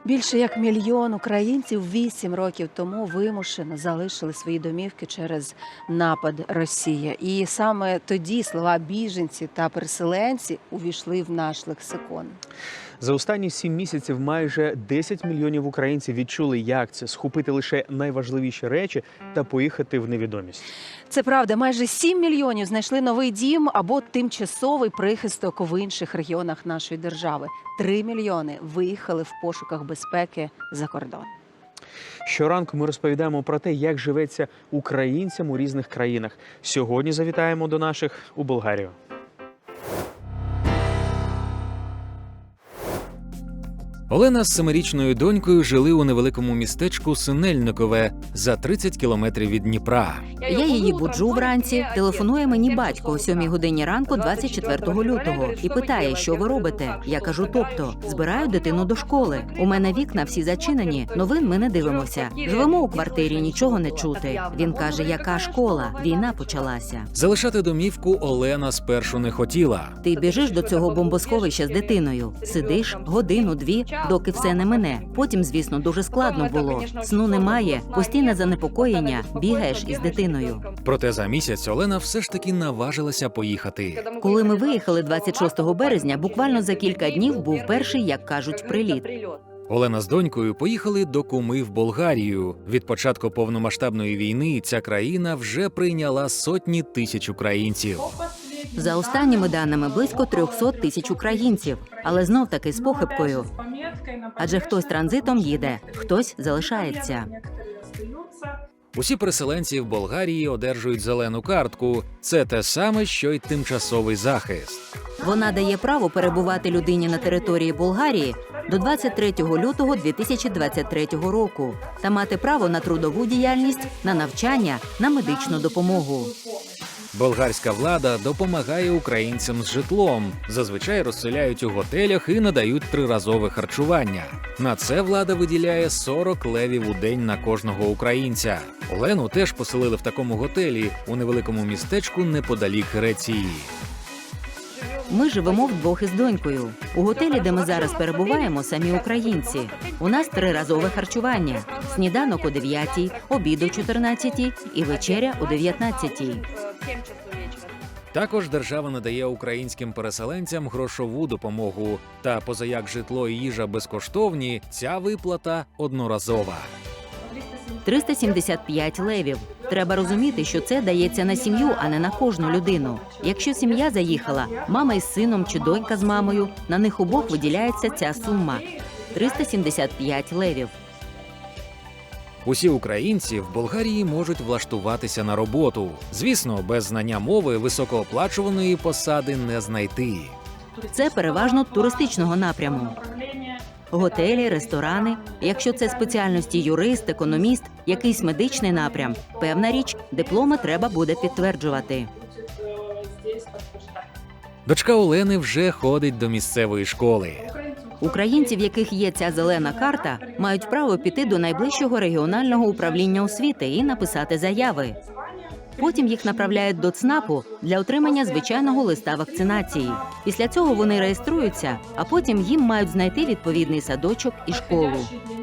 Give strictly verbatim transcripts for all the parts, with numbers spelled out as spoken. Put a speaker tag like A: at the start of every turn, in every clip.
A: Більше як мільйон українців вісім років тому вимушено залишили свої домівки через напад Росії. І саме тоді слова «біженці» та «переселенці» увійшли в наш лексикон.
B: За останні сім місяців майже десять мільйонів українців відчули, як це – схопити лише найважливіші речі та поїхати в невідомість.
A: Це правда, майже сім мільйонів знайшли новий дім або тимчасовий прихисток в інших регіонах нашої держави. Три мільйони виїхали в пошуках безпеки за кордон.
B: Щоранку ми розповідаємо про те, як живеться українцям у різних країнах. Сьогодні завітаємо до наших у Болгарію.
C: Олена з семирічною донькою жили у невеликому містечку Синельникове за тридцять кілометрів від Дніпра.
D: Я її буджу вранці, телефонує мені батько о сьомій годині ранку двадцять четвертого лютого і питає, що ви робите. Я кажу, тобто, збираю дитину до школи. У мене вікна всі зачинені, новин ми не дивимося. Живемо у квартирі, нічого не чути. Він каже, яка школа? Війна почалася.
C: Залишати домівку Олена спершу не хотіла.
D: Ти біжиш до цього бомбосховища з дитиною, сидиш годину-дві, доки все не мине. Потім, звісно, дуже складно було. Сну немає, постійне занепокоєння, бігаєш із дитиною.
C: Проте за місяць Олена все ж таки наважилася поїхати.
D: Коли ми виїхали двадцять шостого березня, буквально за кілька днів був перший, як кажуть, приліт.
C: Олена з донькою поїхали до куми в Болгарію. Від початку повномасштабної війни ця країна вже прийняла сотні тисяч українців.
D: За останніми даними, близько триста тисяч українців, але знов-таки з похибкою. Адже хтось транзитом їде, хтось залишається.
C: Усі переселенці в Болгарії одержують зелену картку. Це те саме, що й тимчасовий захист.
D: Вона дає право перебувати людині на території Болгарії до двадцять третього лютого дві тисячі двадцять третього року та мати право на трудову діяльність, на навчання, на медичну допомогу.
C: Болгарська влада допомагає українцям з житлом. Зазвичай розселяють у готелях і надають триразове харчування. На це влада виділяє сорок левів у день на кожного українця. Олену теж поселили в такому готелі у невеликому містечку неподалік Греції.
D: Ми живемо вдвох із донькою. У готелі, де ми зараз перебуваємо, самі українці. У нас триразове харчування. Сніданок о дев'ятій, обід о чотирнадцятій і вечеря о дев'ятнадцятій.
C: Також держава надає українським переселенцям грошову допомогу. Та позаяк житло і їжа безкоштовні, ця виплата одноразова.
D: триста сімдесят п'ять левів. Треба розуміти, що це дається на сім'ю, а не на кожну людину. Якщо сім'я заїхала, мама із сином чи донька з мамою, на них обох виділяється ця сума – триста сімдесят п'ять левів.
C: Усі українці в Болгарії можуть влаштуватися на роботу. Звісно, без знання мови високооплачуваної посади не знайти.
D: Це переважно туристичного напряму. Готелі, ресторани. Якщо це спеціальності юрист, економіст, якийсь медичний напрям, певна річ, дипломи треба буде підтверджувати.
C: Дочка Олени вже ходить до місцевої школи.
D: Українці, в яких є ця зелена карта, мають право піти до найближчого регіонального управління освіти і написати заяви. Потім їх направляють до ЦНАПу для отримання звичайного листа вакцинації. Після цього вони реєструються, а потім їм мають знайти відповідний садочок і школу.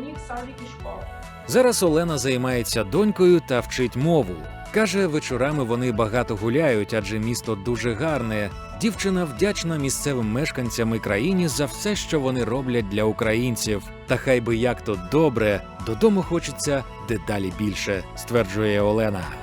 C: Зараз Олена займається донькою та вчить мову. Каже, вечорами вони багато гуляють, адже місто дуже гарне. Дівчина вдячна місцевим мешканцям і країні за все, що вони роблять для українців. Та хай би як то добре, додому хочеться дедалі більше, стверджує Олена.